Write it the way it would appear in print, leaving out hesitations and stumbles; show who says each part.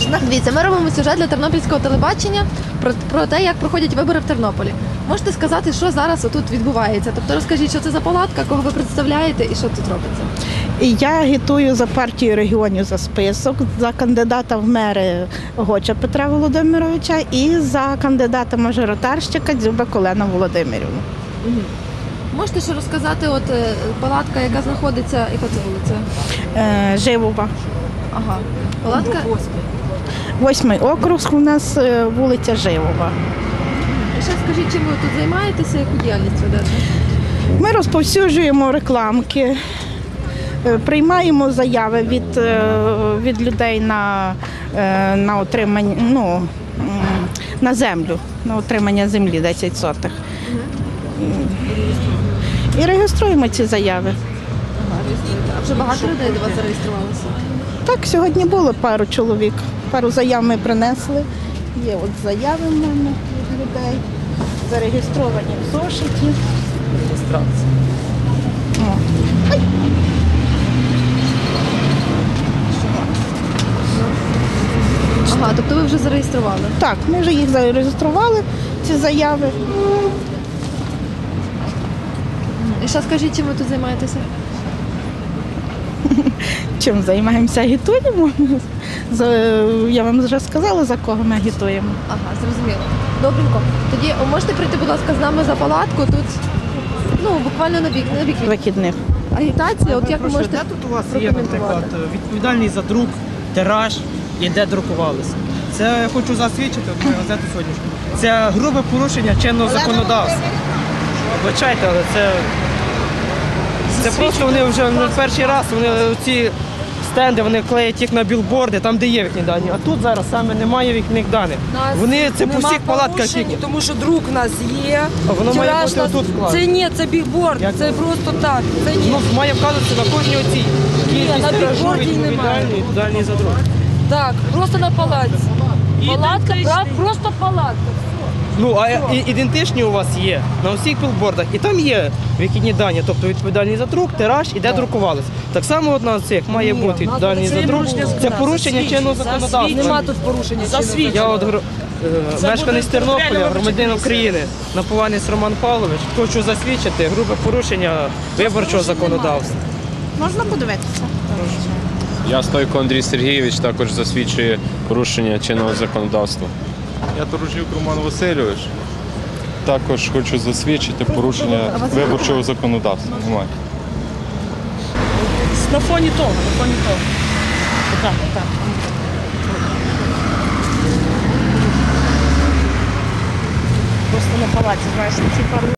Speaker 1: можна.
Speaker 2: Дивіться, ми робимо сюжет для тернопільського телебачення про те, як проходять вибори в Тернополі. Можете сказати, що зараз тут відбувається? Тобто розкажіть, що це за палатка, кого ви представляєте і що тут робиться?
Speaker 1: І я агітую за партію регіонів за список, за кандидата в мери Гоча Петра Володимировича і за кандидата мажоритарщика Дзюбак Олену Володимирівну.
Speaker 2: Можете ще розказати, от палатка, яка знаходиться, яка це вулиця?
Speaker 1: Живова.
Speaker 2: Ага. Палатка?
Speaker 1: 8-й округ у нас вулиця Живова.
Speaker 2: І ще скажіть, чим ви тут займаєтеся, яку діяльність ведете?
Speaker 1: Ми розповсюджуємо рекламки, приймаємо заяви від людей на отримання, на землю, на отримання землі 10 сотих. І реєструємо ці заяви.
Speaker 2: А вже багато людей до вас зареєструвалося?
Speaker 1: Так, сьогодні було пару чоловік, пару заяв ми принесли. Є от заяви в мене від людей, зареєстровані в зошиті.
Speaker 3: Реєстрація.
Speaker 2: Ага, тобто ви вже зареєстрували?
Speaker 1: Так, ми вже їх зареєстрували, ці заяви.
Speaker 2: І ще скажіть, чим ви тут займаєтеся?
Speaker 1: Чим займаємося? Агітуємо. Я вам вже сказала, за кого ми агітуємо.
Speaker 2: Ага, зрозуміло. Добренько. Тоді можете прийти, будь ласка, з нами за палатку. Тут буквально на бік
Speaker 1: Вихідних.
Speaker 2: агітація. От як ви можете
Speaker 3: Де тут у вас є, наприклад, відповідальний за друк, тираж і де друкувалися? Це я хочу засвідчити, от мою газету сьогоднішню. Це грубе порушення чинного законодавства. Вибачайте, але це просто вони вже не перший раз, вони ці стенди, вони клеять їх на білборди, там де є їхні дані. А тут зараз саме немає їхніх даних. Вони це по всіх палатках їхні.
Speaker 4: Тому що друк у нас є.
Speaker 3: А воно має
Speaker 4: Тираж
Speaker 3: бути
Speaker 4: нас-
Speaker 3: отут вкладено.
Speaker 4: Це ні, це бігборд,
Speaker 3: Як
Speaker 4: це
Speaker 3: це?
Speaker 4: просто так. Це ні.
Speaker 3: Воно має вказуватися на кожній оцій. Кількість
Speaker 4: на
Speaker 3: тиражу
Speaker 4: білборді немає.
Speaker 3: відповідальний за друк.
Speaker 4: Так, просто на палатці. Палатка, просто палатка.
Speaker 3: Ну, а ідентичні у вас є на усіх білбордах, і там є вихідні дані, тобто відповідальний за друк, тираж і де друкувалися. Так само от на цих має бути відповідальний за друк. Це порушення чинного законодавства.
Speaker 4: Нема тут порушення.
Speaker 3: Я от мешканець Тернополя, громадянин України, Напованець Роман Павлович, хочу засвідчити грубе порушення виборчого законодавства.
Speaker 1: Можна подивитися?
Speaker 5: Я Стойко Андрій Сергійович, також засвідчує порушення чинного законодавства.
Speaker 6: Я Торожнюк Роман Васильович. Також хочу засвідчити порушення виборчого законодавства. Немає.
Speaker 4: На фоні того, на фоні того. Так, так.
Speaker 1: Просто на палаці, знаєш, ці пару